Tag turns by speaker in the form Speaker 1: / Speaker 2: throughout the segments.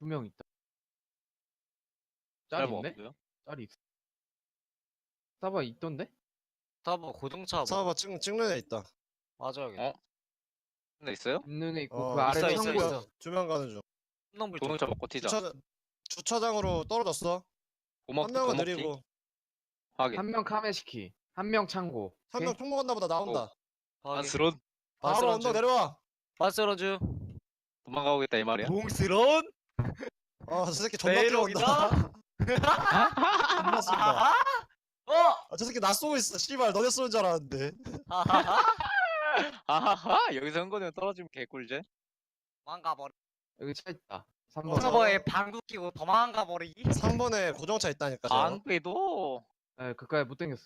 Speaker 1: 2명 있다. 짤
Speaker 2: 짧아
Speaker 1: 있네?
Speaker 2: 없고요.
Speaker 1: 짤이 있어. 사바 있던데?
Speaker 3: 스타바 고등차 뭐
Speaker 4: 사봐 찍는 애 있다.
Speaker 3: 맞아야겠다.
Speaker 2: 어? 근데 있어요?
Speaker 1: 있는 애 있고 그 아래
Speaker 3: 있어,
Speaker 1: 창고
Speaker 3: 있어.
Speaker 4: 2명 가는 중.
Speaker 3: 한명불
Speaker 2: 조능차 먹고 튀자.
Speaker 4: 주차장으로 떨어졌어. 한 명은
Speaker 2: 도먹튀
Speaker 4: 느리고
Speaker 2: 확인.
Speaker 1: 한 명 카메시키, 한 명 창고.
Speaker 4: 한 명 총 먹었나 보다. 나온다.
Speaker 2: 안스런
Speaker 4: 바로 언더 내려와.
Speaker 3: 반스런즈.
Speaker 2: 도망가고겠다 이 말이야?
Speaker 3: 봉스런.
Speaker 4: 저 새끼 존나 뛰어온다. 존나 쏜다. 저 새끼 나 쏘고 있어. 씨발 너네 쏘는 줄 알았는데.
Speaker 2: 아하하 여기서 흥건이 떨어지면 개꿀제.
Speaker 3: 망가버리.
Speaker 1: 여기 차 있다.
Speaker 4: 어,
Speaker 1: 3번.
Speaker 3: 서버에 방구 끼고 도망가 버리기.
Speaker 4: 3번에 고정차 있다니까. 저.
Speaker 2: 안 빼도
Speaker 1: 네, 그까지 못 당겼어.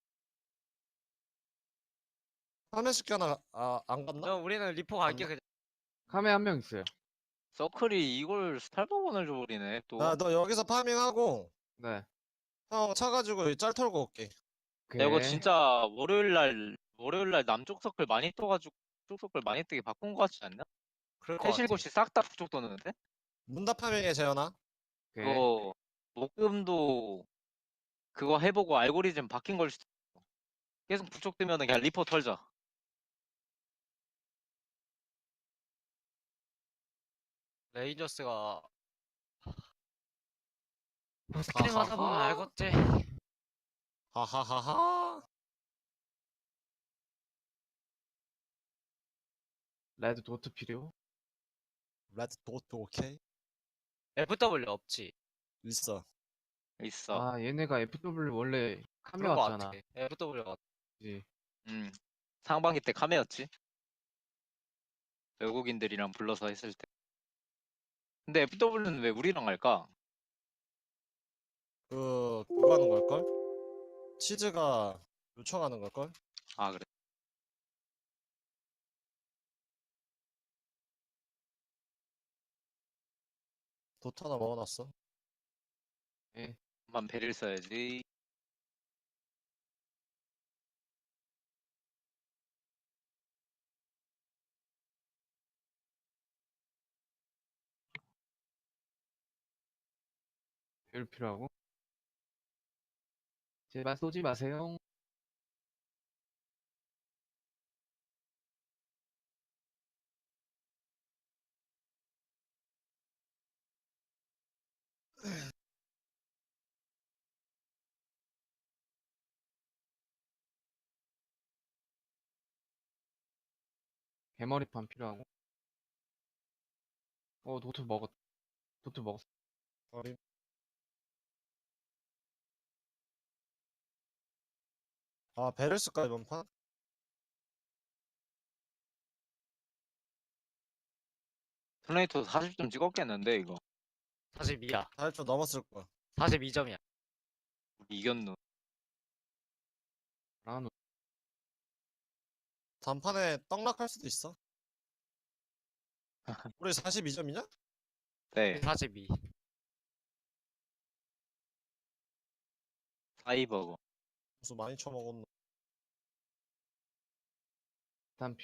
Speaker 4: 화면식 하나 안 갔나?
Speaker 3: 그럼 우리는 리포 갈게 그냥.
Speaker 1: 카메 한 명 있어요.
Speaker 2: 서클이 이걸 스탈버건을 줘버리네 또.
Speaker 4: 너 여기서 파밍하고
Speaker 1: 네.
Speaker 4: 형 차 가지고 짤 털고 올게.
Speaker 1: 오케이.
Speaker 2: 야, 이거 진짜 월요일날 남쪽 서클 많이 떠가지고 북쪽 서클 많이 뜨게 바꾼 거 같지 않냐?
Speaker 3: 그럴 것 같아.
Speaker 2: 해실고시 싹 다 북쪽 떠는데?
Speaker 4: 문다 파밍해 재현아.
Speaker 1: 오케이.
Speaker 2: 그거 목금도 그거 해보고 알고리즘 바뀐 걸 수도 있어. 계속 북쪽 뜨면은 그냥 리포 털자.
Speaker 3: 레인저스가 스크린 하다 보면 알겠지.
Speaker 4: 하하하하.
Speaker 1: 레드 도트 필요?
Speaker 4: 레드 도트 오케이.
Speaker 3: FW 없지.
Speaker 4: 있어.
Speaker 2: 있어.
Speaker 1: 아, 얘네가 FW 원래 카메
Speaker 3: 그런 거
Speaker 1: 왔잖아.
Speaker 3: 같아. FW가.
Speaker 1: 그치?
Speaker 2: 상반기 때 카메였지. 외국인들이랑 불러서 했을 때. 근데 FW는 왜 우리랑 할까?
Speaker 4: 그거 하는 걸걸? 치즈가 요청하는 걸걸?
Speaker 2: 아 그래.
Speaker 4: 도트 하나 먹어놨어.
Speaker 2: 한번 배를 써야지.
Speaker 1: 별 필요하고. 제발 쏘지 마세요. 개머리판 필요하고. 도트 먹었. 도트 먹었어.
Speaker 4: 어림. 배를 쓸까 이번 판?
Speaker 2: 플레이토 40점 찍었겠는데 이거.
Speaker 3: 42야.
Speaker 4: 40점 넘었을 거야.
Speaker 3: 42점이야.
Speaker 2: 우리 이겼노.
Speaker 1: 라노.
Speaker 4: 단판에 떡락할 수도 있어. 우리 42점이냐?
Speaker 2: 네.
Speaker 3: 42.
Speaker 2: 사이버거.
Speaker 4: 무슨 많이 쳐먹었노.
Speaker 1: 일단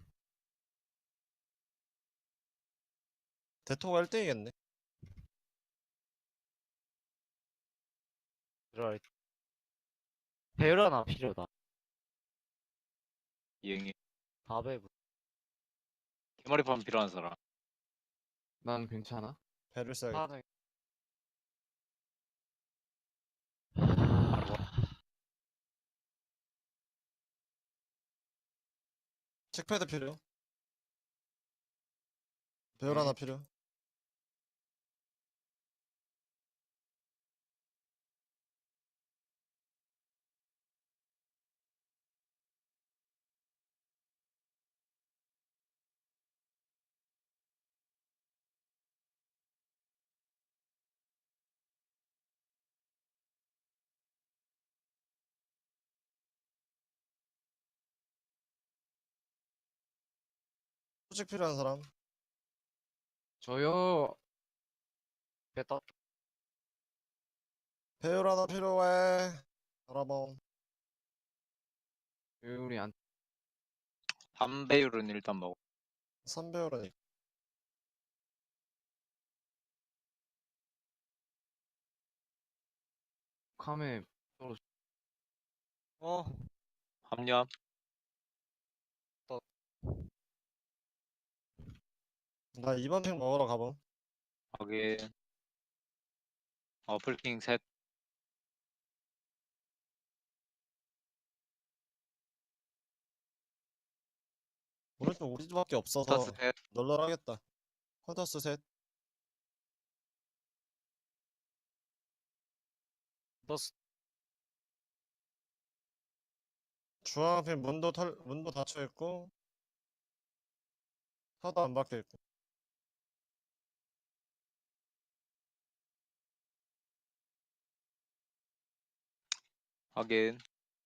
Speaker 4: 대토가 1등이겠네.
Speaker 3: 그럴. 배율 하나 필요다.
Speaker 2: 이행이.
Speaker 3: 400.
Speaker 2: 개머리판 필요한 사람.
Speaker 1: 난 괜찮아.
Speaker 4: 배를 써야겠다.
Speaker 3: 하나.
Speaker 4: 책패드 필요. 배율 하나 필요. 소식 필요한 사람.
Speaker 1: 저요.
Speaker 3: 됐다.
Speaker 4: 배율 하나 필요해. 알아봄.
Speaker 1: 우리 안.
Speaker 2: 담배율은 일단 먹어.
Speaker 4: 3배율은
Speaker 1: 카메
Speaker 3: 어.
Speaker 2: 합류함.
Speaker 4: 나 2번 핑 먹으러 가봄.
Speaker 2: 확인. 어플킹 셋.
Speaker 4: 오른쪽 우리 집밖에 없어서
Speaker 2: 터스 셋.
Speaker 4: 널널하겠다. 컨터스 셋.
Speaker 3: 버스.
Speaker 4: 중앙핀 문도 닫혀 있고 차도 안 박혀 있고.
Speaker 2: 확인.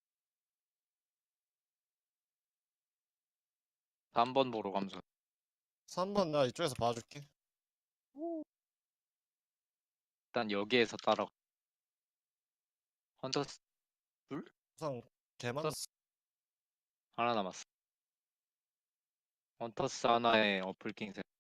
Speaker 2: 3번 보러 감수.
Speaker 4: 3번 나 이쪽에서 봐줄게.
Speaker 2: 일단 여기에서 따라. 헌터스
Speaker 4: 우선 개만
Speaker 2: 하나 남았어. 헌터스 하나에 어플킹 셋.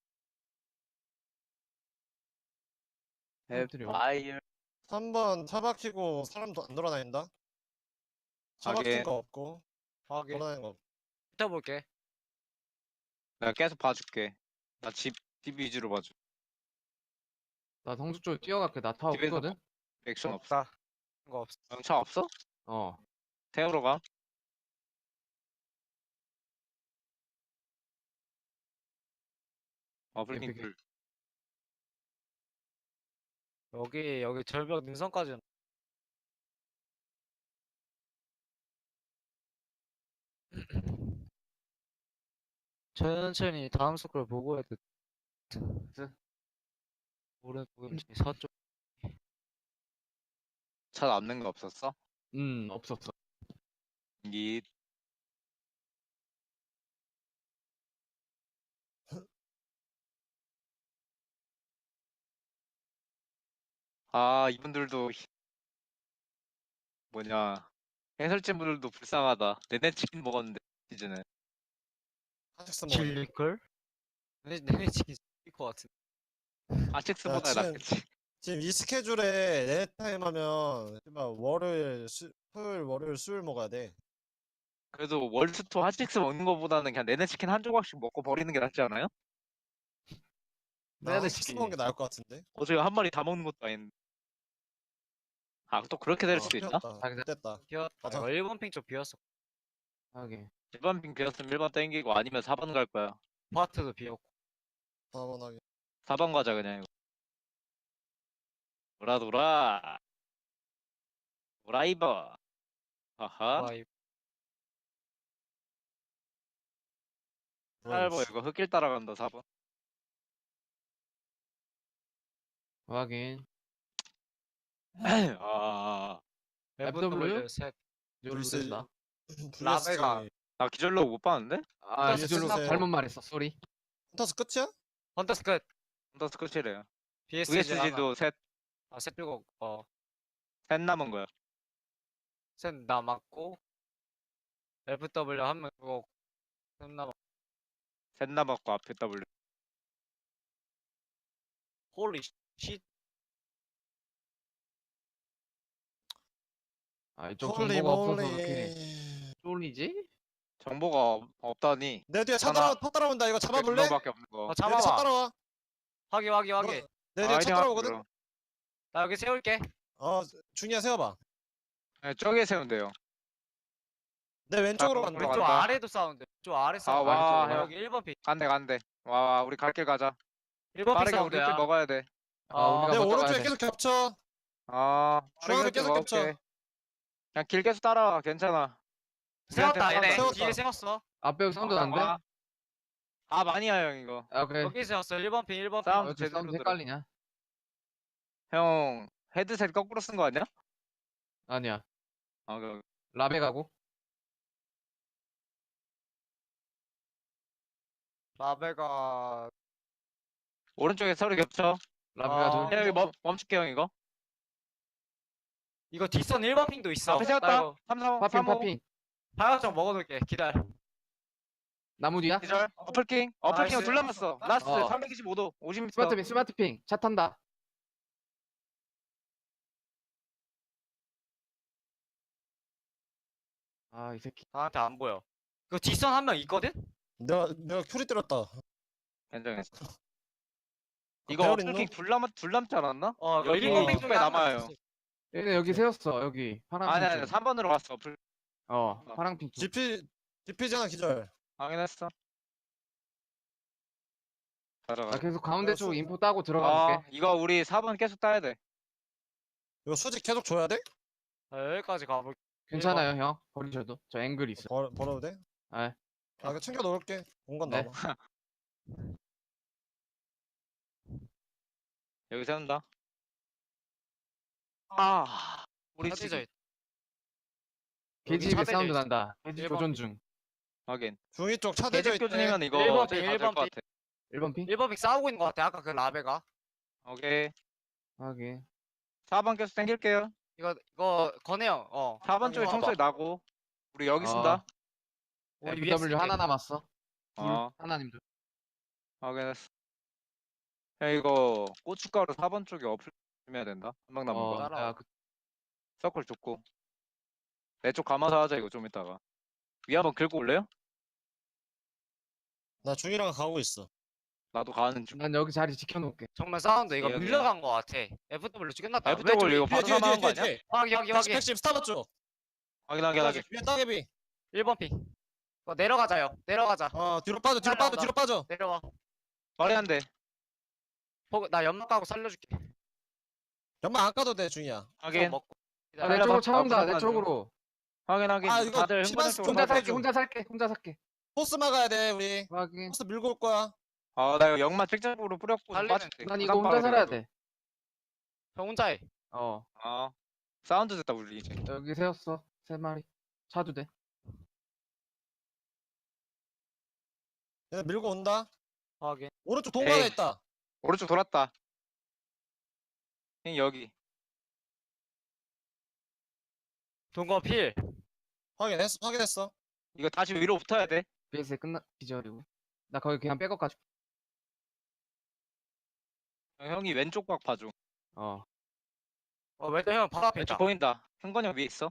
Speaker 1: 햄들이요.
Speaker 2: 와이어.
Speaker 4: 3번 차 박히고 사람도 안 돌아다닌다. 차
Speaker 2: 확인.
Speaker 4: 박힌 거 없고
Speaker 3: 확인.
Speaker 4: 돌아다니는 거 없고.
Speaker 3: 이따 볼게.
Speaker 2: 내가 계속 봐줄게. 나 집 위주로 봐줘.
Speaker 1: 나 성주 쪽에 뛰어갈게. 나 타
Speaker 2: 집에서
Speaker 1: 없거든.
Speaker 2: 액션 없어.
Speaker 3: 없다. 거 없어.
Speaker 2: 영차 없어?
Speaker 1: 어.
Speaker 2: 태우러 가. 어플킹
Speaker 1: 에픽.
Speaker 2: 둘.
Speaker 3: 여기 절벽 능선까지는 천천히 다음 스크롤 보고 해야 돼. 오른쪽인지 서쪽.
Speaker 2: 차 남는 거 없었어?
Speaker 1: 없었어.
Speaker 2: 이 이분들도 뭐냐 해설진 분들도 불쌍하다. 내내 치킨 먹었는데 시즌에
Speaker 4: 한식스 먹어.
Speaker 3: 질릴걸? 내 치킨 질릴 것 같은데.
Speaker 2: 아식스보다
Speaker 4: 지금-
Speaker 2: 낫겠지.
Speaker 4: 지금 이 스케줄에 네타임 하면 월요일, 토요일, 월요일, 수요일 먹어야 돼.
Speaker 2: 그래도 월스토 핫식스 먹는 거보다는 그냥 내내 치킨 한 조각씩 먹고 버리는 게 낫지 않아요?
Speaker 4: 나
Speaker 1: 네네,
Speaker 4: 한식스 먹는 게 나을 것 같은데.
Speaker 2: 어제 한 마리 다 먹는 것도 아닌데. 또 그렇게 될 수도 있나?
Speaker 4: 튀었다. 됐다.
Speaker 3: 비었다.
Speaker 4: 맞아.
Speaker 3: 1번 핑 쪽 비었어.
Speaker 1: 하게.
Speaker 2: 1번 빙 비었으면 1번 땡기고 아니면 4번 갈 거야.
Speaker 3: 파트도 비었고.
Speaker 4: 4번 하게.
Speaker 2: 4번 가자 그냥 이거. 돌아 도라이버. 아하.
Speaker 3: 와, 이
Speaker 2: 짧아 이거 흙길 따라간다 4번.
Speaker 1: 확인.
Speaker 3: FW 셋.
Speaker 1: 이걸로
Speaker 4: 불스-
Speaker 1: 된다.
Speaker 3: 라베가.
Speaker 2: 나 기절로 못 봤는데?
Speaker 1: 아,
Speaker 3: 터스
Speaker 1: 이절로
Speaker 4: 끝났고.
Speaker 1: 잘못 말했어. 쏘리.
Speaker 4: 헌터스 끝이야?
Speaker 3: 헌터스 끝.
Speaker 2: 혼자 스코치래요.
Speaker 3: BSG 하나.
Speaker 2: VSG도 셋
Speaker 3: 빼고
Speaker 2: 남은 거야.
Speaker 3: 셋 남았고. FW 한 명 죽었고. 셋 남았고.
Speaker 2: 셋 남았고 앞에 W.
Speaker 3: 홀리 쉿.
Speaker 1: 아, 이쪽
Speaker 4: 홀리
Speaker 1: 정보가 없어서 그렇게
Speaker 4: 몰리.
Speaker 1: 쫄리지?
Speaker 2: 정보가 없다니.
Speaker 4: 내 뒤에 차
Speaker 2: 하나.
Speaker 4: 따라온다. 이거 잡아볼래? 내
Speaker 2: 밖에 없는 거.
Speaker 3: 어,
Speaker 4: 뒤에 차
Speaker 3: 잡아봐.
Speaker 4: 따라와.
Speaker 3: 확인.
Speaker 4: 내 뒤에 차 따라오거든?
Speaker 3: 나 여기 세울게.
Speaker 4: 중이야 세워봐.
Speaker 2: 네, 저기에 세우면 돼요.
Speaker 4: 내 왼쪽으로
Speaker 2: 자,
Speaker 4: 간다.
Speaker 2: 그럼
Speaker 3: 왼쪽
Speaker 2: 간다.
Speaker 3: 아래도 사운드. 왼쪽 아래 사운드.
Speaker 2: 와,
Speaker 3: 아래쪽.
Speaker 2: 형.
Speaker 3: 여기 1번 핑.
Speaker 2: 간대. 와 우리 갈 길 가자.
Speaker 3: 1번 핑
Speaker 2: 빠르게 우리
Speaker 3: 사운드야.
Speaker 2: 길 먹어야 돼.
Speaker 1: 우리가
Speaker 4: 내
Speaker 1: 먼저 가야
Speaker 4: 오른쪽에
Speaker 1: 돼.
Speaker 4: 계속 겹쳐. 중앙으로
Speaker 2: 빠르게
Speaker 4: 계속
Speaker 2: 먹을게.
Speaker 4: 겹쳐.
Speaker 2: 그냥 길 계속 따라와. 괜찮아.
Speaker 3: 세웠다 얘네.
Speaker 4: 세웠다.
Speaker 3: 뒤에 세웠어.
Speaker 1: 앞에 여기 사운드 안 돼?
Speaker 2: 많이야 형 이거.
Speaker 1: 오케이.
Speaker 3: 여기 세웠어. 1번 핑. 1번 핑.
Speaker 2: 싸움
Speaker 1: 이렇게
Speaker 2: 제대로
Speaker 1: 사운드
Speaker 2: 들어.
Speaker 1: 헷갈리냐?
Speaker 2: 형 헤드셋 거꾸로 쓴 거 아니야?
Speaker 1: 아니야.
Speaker 2: 그
Speaker 1: 라베 가고.
Speaker 3: 라베가
Speaker 2: 오른쪽에 서로 겹쳐.
Speaker 1: 라베가
Speaker 3: 아.
Speaker 1: 둘.
Speaker 2: 형 여기 멈출게 형 이거.
Speaker 3: 이거 뒷선 1번 핑도 있어.
Speaker 2: 앞에
Speaker 3: 나
Speaker 2: 세웠다.
Speaker 3: 이거
Speaker 2: 3, 4,
Speaker 1: 파핑
Speaker 2: 3, 5.
Speaker 1: 파핑.
Speaker 3: 방향점 먹어둘게. 기다려.
Speaker 1: 나무 뒤야?
Speaker 2: 기절. 어플킹
Speaker 3: 나이스.
Speaker 2: 둘 남았어. 라스트
Speaker 1: 어.
Speaker 2: 325도 50m.
Speaker 1: 스마트핑 차 탄다. 아, 이 새끼.
Speaker 3: 나한테 안 보여. 그 뒷선 한 명 있거든?
Speaker 4: 내가 큐리 때렸다.
Speaker 2: 괜찮겠어. 이거
Speaker 4: 배열 있노?
Speaker 2: 어플킥 둘 남지 않았나?
Speaker 3: 어,
Speaker 2: 여기
Speaker 3: 1번
Speaker 2: 이쪽에 남아요.
Speaker 1: 얘네 여기 세웠어, 여기. 파랑
Speaker 2: 아니
Speaker 1: 핑
Speaker 2: 아니
Speaker 1: 쪽.
Speaker 2: 3번으로 갔어. 어플
Speaker 1: 파랑 핑 쪽.
Speaker 4: GP 잖아 기절.
Speaker 2: 확인했어. 가져가.
Speaker 1: 나 계속 가운데 쪽
Speaker 4: 수-
Speaker 1: 인포 따고 들어가 볼게.
Speaker 2: 이거 우리 4번 계속 따야 돼.
Speaker 4: 이거 수직 계속 줘야 돼?
Speaker 3: 여기까지 가볼게.
Speaker 1: 괜찮아요, 형. 버리셔도. 저 앵글 있어.
Speaker 4: 벌어도 돼?
Speaker 1: 네.
Speaker 4: 아 이거 챙겨 놓을게. 공간
Speaker 1: 네.
Speaker 4: 남아.
Speaker 2: 여기 세운다. 아, 우리
Speaker 3: 차지져
Speaker 2: 지금
Speaker 3: 있-
Speaker 1: 게지
Speaker 3: 차대져
Speaker 1: 사운드
Speaker 3: 있어.
Speaker 1: 난다. 게지
Speaker 3: 일번
Speaker 1: 교전 중.
Speaker 2: 확인.
Speaker 4: 중위 쪽 차대져
Speaker 2: 계집
Speaker 4: 있대.
Speaker 2: 교준이면 이거
Speaker 3: 1번
Speaker 2: 어차피
Speaker 3: 핑,
Speaker 2: 다될것
Speaker 3: 1번
Speaker 2: 같아.
Speaker 1: 1번 핑?
Speaker 3: 1번 픽 싸우고 있는 것 같아. 아까 그 라베가.
Speaker 2: 오케이.
Speaker 1: 확인.
Speaker 2: 4번 계속 당길게요.
Speaker 3: 이거 건해요.
Speaker 2: 4번 쪽에
Speaker 3: 봐봐.
Speaker 2: 총소리 나고. 우리 여기
Speaker 1: 어.
Speaker 2: 쓴다.
Speaker 3: 우리 위에
Speaker 1: FW
Speaker 3: 쓸게.
Speaker 1: 하나 남았어.
Speaker 2: 어,
Speaker 1: 하나님도.
Speaker 2: 확인했어. 야, 이거 고춧가루 4번 쪽에 어플 해야 된다. 한 명 남은 거.
Speaker 3: 따라와.
Speaker 1: 야, 그,
Speaker 2: 서클 줬고. 내 쪽 감아서 하자 이거 좀 이따가. 위 한번 긁고 올래요?
Speaker 4: 나 중이랑 가고 있어.
Speaker 2: 나도 가는 중.
Speaker 1: 난 여기 자리 지켜놓을게.
Speaker 3: 정말 사운드 이거
Speaker 2: 여기야.
Speaker 3: 밀려간 것 같아. FW 끝났다.
Speaker 2: FW 이거 바로
Speaker 4: 뒤에
Speaker 2: 사망한 거
Speaker 4: 뒤에
Speaker 2: 아니야?
Speaker 4: 뒤에.
Speaker 3: 확인.
Speaker 4: 핵심 스타버 쪽.
Speaker 2: 확인하게 하게.
Speaker 4: 위에 따개비.
Speaker 3: 1번 픽. 내려가자요. 내려가자.
Speaker 4: 뒤로 빠져 뒤로 빠져
Speaker 3: 따라온다.
Speaker 4: 뒤로 빠져.
Speaker 3: 내려와.
Speaker 2: 말이 안 돼.
Speaker 3: 나 연막 가고 살려줄게.
Speaker 4: 연막 안 까도 돼 중이야.
Speaker 2: 확인.
Speaker 3: 먹고.
Speaker 1: 아, 내
Speaker 2: 내려봐.
Speaker 1: 쪽으로 차 온다. 내
Speaker 2: 무조건
Speaker 1: 쪽으로.
Speaker 2: 확인하게.
Speaker 4: 아, 이거
Speaker 2: 다들
Speaker 4: 시간
Speaker 2: 흥분해
Speaker 4: 좀
Speaker 2: 쪽으로
Speaker 1: 혼자
Speaker 4: 좀
Speaker 1: 살게.
Speaker 4: 좀.
Speaker 1: 혼자 살게. 혼자 살게.
Speaker 4: 포스 막아야 돼 우리.
Speaker 1: 확인.
Speaker 4: 포스 밀고 올 거야.
Speaker 2: 나 이거 영마 직접으로 뿌렸고 좀
Speaker 3: 달리면
Speaker 2: 빠질게.
Speaker 1: 난 이거 혼자 살아야 돼.
Speaker 3: 형 혼자 해.
Speaker 2: 사운드 됐다 우리 이제.
Speaker 1: 여기 세웠어. 3마리. 차도 돼.
Speaker 4: 얘네 밀고 온다.
Speaker 3: 확인.
Speaker 4: 오른쪽 동반에
Speaker 2: 에이.
Speaker 4: 있다.
Speaker 2: 오른쪽 돌았다. 여기.
Speaker 3: 동거 필.
Speaker 4: 확인했어.
Speaker 2: 이거 다시 위로 붙어야 돼.
Speaker 1: BS 끝나 기절이고. 나 거기 그냥 백업 가지고.
Speaker 2: 형이 왼쪽 각 봐줘.
Speaker 3: 왼쪽 형 바로 앞에
Speaker 2: 왼쪽
Speaker 3: 있다.
Speaker 2: 보인다. 흥건이 형 위에 있어.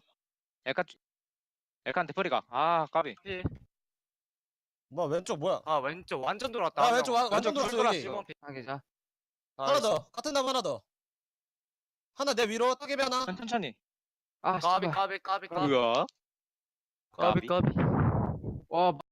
Speaker 2: 엘칸 대퍼리가. 까비.
Speaker 3: 필.
Speaker 4: 뭐 왼쪽 뭐야?
Speaker 3: 왼쪽 완전 돌았다.
Speaker 4: 아
Speaker 3: 한
Speaker 4: 왼쪽
Speaker 3: 명.
Speaker 4: 완전
Speaker 2: 왼쪽
Speaker 4: 돌았어 여기.
Speaker 2: 돌았어.
Speaker 3: 1번 픽.
Speaker 1: 하게 자.
Speaker 4: 하나 더. 같은 나무 하나 더. 하나 내 위로 따개비 하나.
Speaker 2: 천천히.
Speaker 1: 아,
Speaker 3: 까비
Speaker 1: 씨발.
Speaker 3: 까비 까비 까비
Speaker 2: 뭐야?
Speaker 3: 까비 까비.
Speaker 1: 와,